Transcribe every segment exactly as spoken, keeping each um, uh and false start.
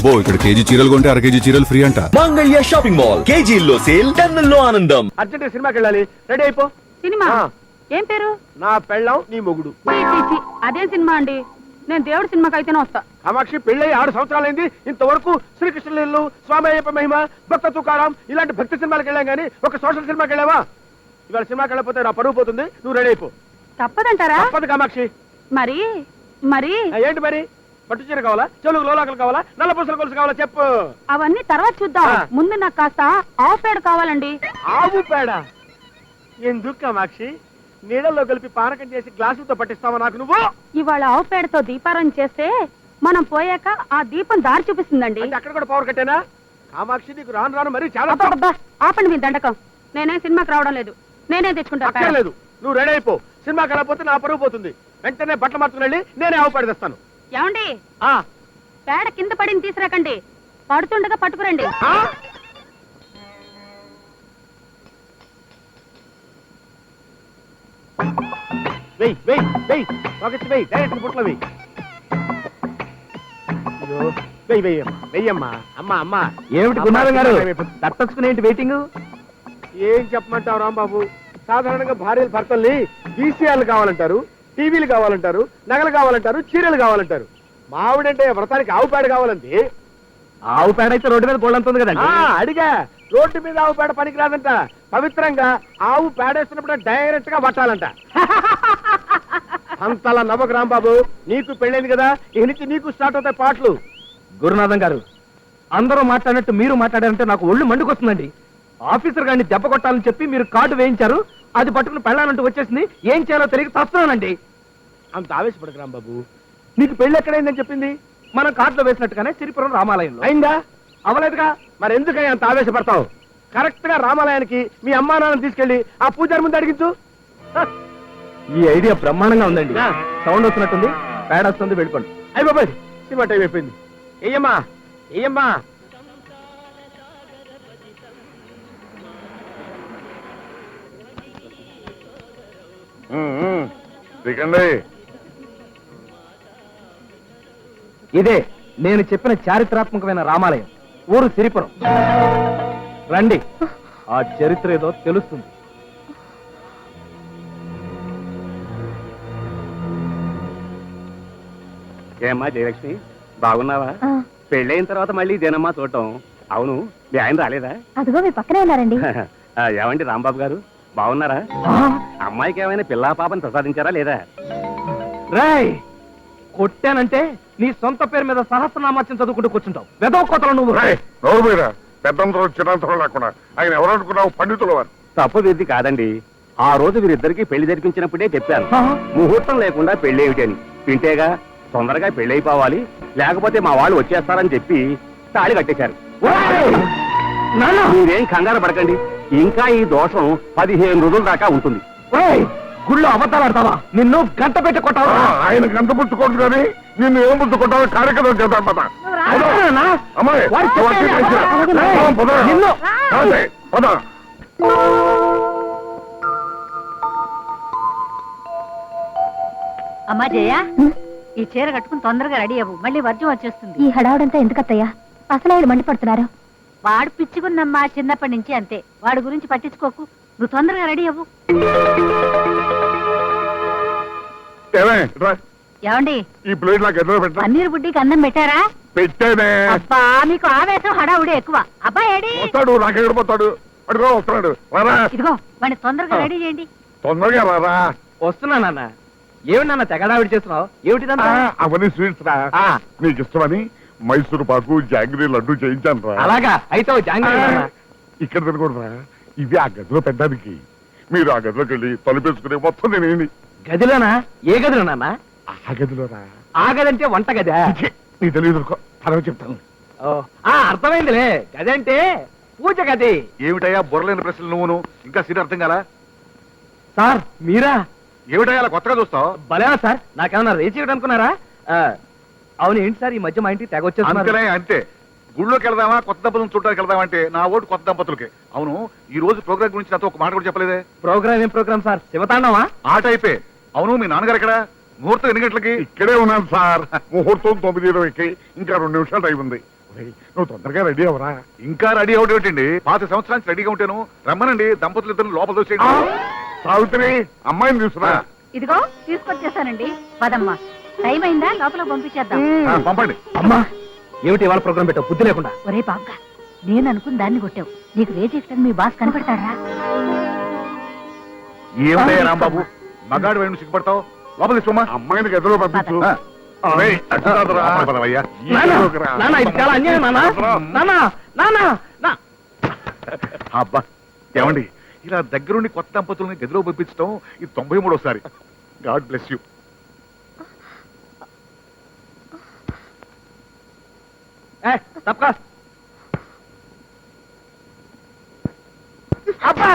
అబ్బో ఇక్కడ కేజీ చీరలు కొంటే అర కేజీ చీరలు ఫ్రీ అంట. మంగళ్య షాపింగ్ మాల్, కేజీల్లో సేల్, టన్నుల్లో ఆనందం. అర్జెంట్ సినిమాకి వెళ్ళాలి, రెడీ అయిపో. సినిమా ఏం పేరు? నా పెళ్ళాం నీ మొగుడు. అదేం సినిమా అండి? నేను దేవుడి సినిమాకి అయితేనే వస్తా. కామాక్షి పెళ్ళై ఆరు సంవత్సరాలైంది, ఇంతవరకు శ్రీకృష్ణలీలు, స్వామి అయ్యప్ప మహిమ, భక్త తుకారాం ఇలాంటి భక్తి సినిమాలకు వెళ్ళాం కానీ ఒక సోషల్ సినిమాకి వెళ్ళావా? ఇవాళ సినిమాకి వెళ్ళకపోతే నా పరువు పోతుంది, నువ్వు రెడీ అయిపో. తప్పదంటారా? తప్పదు కామాక్షి. మరి మరి ఏంటి మరి? పట్టు చీర కావాలా, చెలుగు లోలాకలు కావాలా, నల్ల పూసల గొలుసు కావాలా చెప్పు. అవన్నీ తర్వాత చూద్దాం, ముందు నాకు కాస్త ఆవు పేడ కావాలండి. ఆవు పేడ ఎందుకు కామాక్షి? నీళ్ళల్లో కలిపి పానకం చేసి గ్లాసులతో పట్టిస్తావా నాకు నువ్వు? ఇవాళ ఆవు పేడతో దీపారం చేస్తే మనం పోయాక ఆ దీపం దారి చూపిస్తుందండి. అక్కడ కూడా పవర్ కట్టేనా? కామాక్షి నీకు రాను రాను మరి చాలా. ఆపండి మీ దండకం, నేనే సినిమాకి రావడం లేదు, నేనే తెచ్చుకుంటా. లేదు, నువ్వు రెడీ అయిపో. సినిమాకి వెళ్ళకపోతే నా పరువు పోతుంది. వెంటనే బట్టలు మార్చుకుని వెళ్ళి నేనే ఆవు పేడ తెస్తాను. ఏమండి, పేడ కింద పడింది తీసుకురాకండి, పడుతుండగా పట్టుకురండి. వెయ్యి వెయ్యి వెయ్యి పాకెట్ వెయ్యి, డైరెక్ట్ బుట్టలో వెయ్యి. వెయ్యి వెయ్యమ్మా, వెయ్యమ్మా. అమ్మా అమ్మా. ఏమిటి గురునాథం గారు తట్టచ్చుకుని ఏంటి వెయిటింగ్? ఏం చెప్పమంటావు రాంబాబు? సాధారణంగా భార్యలు భర్తల్ని వీసీఆర్లు కావాలంటారు, టీవీలు కావాలంటారు, నగలు కావాలంటారు, చీరలు కావాలంటారు. మావిడంటే వ్రతానికి ఆవు పేడ కావాలంటే. ఆవు పేడ అయితే రోడ్డు మీద పోలంతుంది కదండి. అడిగా, రోడ్డు మీద ఆవు పేడ పనికిరాదంట. పవిత్రంగా ఆవు పేడేస్తున్నప్పుడు డైరెక్ట్ గా పట్టాలంట. అంతలా నవ్వకు రాంబాబు, నీకు పెళ్ళైంది కదా, ఇక నుంచి నీకు స్టార్ట్ అవుతాయి పాటలు. గురునాథం గారు అందరూ మాట్లాడినట్టు మీరు మాట్లాడారంటే నాకు ఒళ్ళు మండుకొస్తుందండి. ఆఫీసర్ గారిని దెబ్బ కొట్టాలని చెప్పి మీరు కార్డు వేయించారు, అది పట్టుకుని పెళ్ళాలంటూ వచ్చేసింది. ఏం చేయాలో తెలియక తస్తున్నానండి. అంత ఆవేశపడకు రాంబాబు, నీకు పెళ్లి ఎక్కడైందని చెప్పింది? మనం కార్డులో వేసినట్టుగానే సిరిపురం రామాలయంలో. అయిందా? అవలేదుగా, మరి ఎందుకని అంత ఆవేశపడతావు? కరెక్ట్ గా రామాలయానికి మీ అమ్మా నాన్న తీసుకెళ్లి ఆ పూజారి ముందు అడిగించు. ఈ ఐడియా బ్రహ్మాండంగా ఉందండి. సౌండ్ వస్తున్నట్టుంది, పేడ వస్తుంది, వెళ్ళిపోండి. అయ్యి బాబాయ్, సినిమా టైం అయిపోయింది. ఏయమ్మా ఏయమ్మా. ఇదే నేను చెప్పిన చారిత్రాత్మకమైన రామాలయం, ఊరు సిరిపురం. రండి, ఆ చరిత్ర ఏదో తెలుస్తుంది. ఏమ్మా జయలక్ష్మి, బాగున్నావా? పెళ్ళైన తర్వాత మళ్ళీ ఇదేనమ్మా చూడటం. అవును, మీ ఆయన రాలేదా? అదిగో మీ పక్కనే ఉన్నారండి. ఏమండి రాంబాబు గారు, బాగున్నారా? అమ్మాయికి ఏమైనా పిల్లా పాపని ప్రసాదించారా లేదా? రాయ్, కొట్టానంటే నీ సొంత పేరు మీద సహస్రనామాచ్యం చదువుకుంటూ కూర్చుంటావు. వెదవ కోతలు నువ్వు. పెద్దంతరం చిన్నంతరం లేకుండా ఆయన ఎవరనుకున్నావు? పండితుల వారు. తప్పు విధి కాదండి. ఆ రోజు వీరిద్దరికి పెళ్లి జరిపించినప్పుడే చెప్పాను, ముహూర్తం లేకుండా పెళ్లి ఏమిటని. వింటేగా తొందరగా పెళ్లి అయిపోవాలి, లేకపోతే మా వాళ్ళు వచ్చేస్తారని చెప్పి తాళి కట్టేశారు. మీరేం కంగారు పడకండి, ఇంకా ఈ దోషం పదిహేను రోజుల దాకా ఉంటుంది. గుళ్ళో అబద్ధాలు ఆడతావా? నిన్ను గంట పెట్టి కొట్టావా? ఆయన గంట పుచ్చుకోడు కానీ నిన్ను ఏం పుచ్చుకుంటావో కార్యక్రమం చేద్దాం పద. అమ్మా జయ, ఈ చీర కట్టుకుని తొందరగా రెడీ అవ్వు, మళ్ళీ వర్జం వచ్చేస్తుంది. ఈ హడావుడంతా ఎందుకత్తయ్యా? అసలు ఆయన మండిపడుతున్నారు. వాడు పిచ్చుకున్నమ్మా, చిన్నప్పటి నుంచి అంతే. వాడి గురించి పట్టించుకోకు, నువ్వు తొందరగా రెడీ అవ్వు. ఏమండి, ఈ ప్లేట్ నాకు ఎదురు పెట్టా. పన్నీర్ బుడ్డికి అన్నం పెట్టారా? పెట్టానే. అబ్బా, మీకు ఆవేశం హడావుడే ఎక్కువ. అబ్బా ఏడి వస్తాడు, నాకెక్కడిపోతాడు. అడుగో వస్తున్నాడు. ఇదిగో వాడిని తొందరగా రెడీ చేయండి. తొందరగా రారా. వస్తున్నా నాన్న. ఏమిటి నాన్న తెగడావిడి చేస్తున్నావు? ఏమిటిదంతా? అవన్నీ స్వీట్స్ రా, నీకు ఇష్టమని మైసూరు పాకు, జాంగ్రీ లడ్డు చేయించాను రా. అలాగా, అయితే జాంగ్రీ. ఇక్కడ తినకూడదురా, ఇది ఆ గదిలో పెట్టడానికి. మీరు ఆ గదిలోకి వెళ్ళి తలుపేసుకునే మొత్తం నేనేంటి. గదిలోనా? ఏ గదిలో నాన్న? ఆ గదిలోనా? ఆ గదంటే వంట గదా? నీ తెలియదు, తర్వాత చెప్తాను. అర్థమైందిలే, గదంటే పూజ గది. ఏమిటయ్యా బుర్రలేని ప్రశ్నలు నువ్వును? ఇంకా సీన్ అర్థం కాలా? సార్ మీరా? ఏమిటయ్యా అలా కొత్తగా చూస్తావు? భలేనా సార్, నాకేమన్నా రేచి అనుకున్నారా? అవును, ఏంటి సార్ ఈ మధ్య మా ఇంటికి తెగ వచ్చేస్తున్నారు? అంతే, గుళ్ళోకి వెళ్దామా కొత్త దంపతులను చూడడానికి వెళ్దామా అంటే నా ఓటు కొత్త దంపతులకి. అవును, ఈ రోజు ప్రోగ్రామ్ గురించి నాతో ఒక మాట కూడా చెప్పలేదే. ప్రోగ్రామ్ ఏం ప్రోగ్రామ్ సార్? శివతాండవా? ఆ టైపే. అవును, మీ నాన్నగారు ఎక్కడ? ముహూర్తం ఎన్ని గంటలకి? ఇక్కడే ఉన్నాను సార్. ముహూర్తం తొమ్మిది ఇరవైకి, ఇంకా రెండు నిమిషాలు టైం ఉంది. రేయ్, నువ్వు తొందరగా రెడీ అవరా. ఇంకా రెడీ అవడం ఏంటండి? పాత సంవత్సరానికి రెడీగా ఉంటాను. రమ్మనండి, దంపతులు ఇద్దరు లోపల దోసేయండి. సావిత్రి అమ్మాయిని తీసుకురా. ఇదిగో తీసుకొచ్చేసానండి పదమ్మా. టైం అయిందా? లోపల పంపించేద్దాం. ఆ, పంపండి. అమ్మా ఏమిటి ఇవాళ ప్రోగ్రామ్ పెట్టావు బుద్ధి లేకుండా? ఒరే బాబుగా, నేను అనుకుని దాన్ని కొట్టావు. నీకు రేజెక్టని మీ బాస్ కనపడతాడా? ఏమిటయ్యా రాంబాబు, మగాడు వైపు సిగ్గుపడతావు? లోపల తీసుకోమా. అమ్మాయిని గదిలో పంపించు. ఆ. రేయ్, అటు కాదురా. లోపల పదవయ్యా. నానా, ఈలోకి రా. నానా, ఇది చాలా అన్యాయం నానా. నానా, నానా, నా అబ్బా, ఏమండి ఇలా దగ్గరుండి కొత్త దంపతుల్ని గదిలో పంపించడం ఇది తొంభై మూడోసారి. God bless you. ఏ, తప్పకా. అబ్బా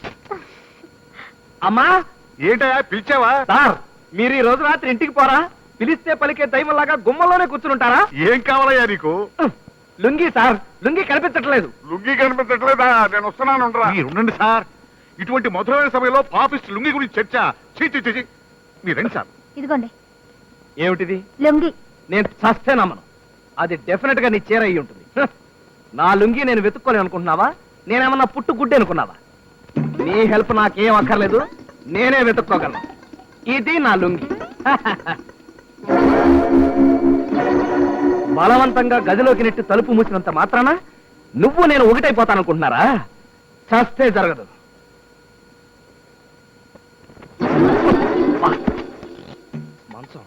అమ్మా, ఏంటయ్యా పిలిచావా? సార్ మీరు ఈ రోజు రాత్రి ఇంటికి పోరా? పిలిస్తే పలికే దైవంలాగా గుమ్మలోనే కూర్చుంటారా? ఏం కావాలయ్యా నీకు? లుంగి సార్, లుంగి కనిపించట్లేదు. లుంగి కనిపించట్లేదా? నేను వస్తున్నాను ఉండరా. మీరు ఉండండి సార్. ఇటువంటి మధురమైన సమయంలో పాపిస్ట్ లుంగి గురించి చర్చ. చీ చీ చీ, చీ. మీరు రండి సార్. ఇదిగోండి ఏమిటిది? లొంగి. నేను చస్తే నమ్మను. అది డెఫినెట్ గా నీ చీర అయి ఉంటుంది. హ! నా లుంగి నేను వెతుక్కోలేను అనుకుంటున్నావా? నేనేమన్నా పుట్టు గుడ్డి అనుకున్నావా? నీ హెల్ప్ నాకేం అక్కర్లేదు, నేనే వెతుక్కోగలను. ఇది నా లుంగి. బలవంతంగా గదిలోకి నెట్టి తలుపు మూసినంత మాత్రాన నువ్వు నేను ఒకటైపోతాననుకుంటున్నారా? చస్తే జరగదు. వా. మంచం,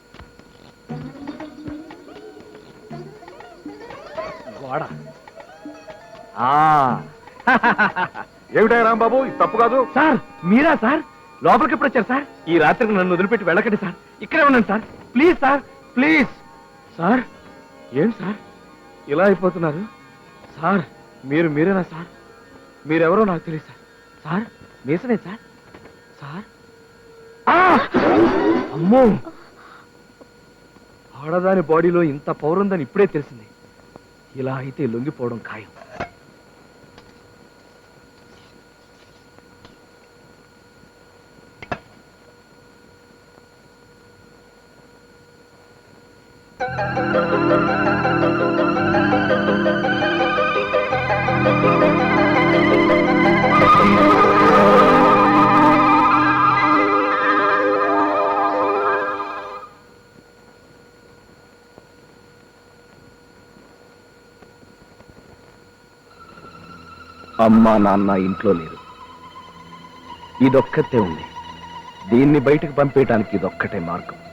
గోడ. ఆ. ఏమిటయ్యా రాంబాబు, ఇది తప్పు కాదు. సార్ మీరా సార్? లోపలికి ఎప్పుడు వచ్చారు సార్? ఈ రాత్రికి నన్ను వదిలిపెట్టి వెళ్ళకండి సార్. ఇక్కడే ఉండండి sir. Please sir, please. Sir ఏంటి సార్ ఇలా అయిపోతున్నారు? సార్ మీరు మీరేనా సార్? మీరెవరో నాకు తెలియదు సార్. సార్ మీసనే సార్? సార్ ఆ! అమ్మో, ఆడదాని బాడీలో ఇంత పవర్ ఉందని ఇప్పుడే తెలిసింది. ఇలా అయితే లొంగిపోవడం ఖాయం. అమ్మా నాన్న ఇంట్లో లేరు. ఇదొక్కతే ఉంది. దీన్ని బయటకు పంపేయటానికి ఇదొక్కటే మార్గం.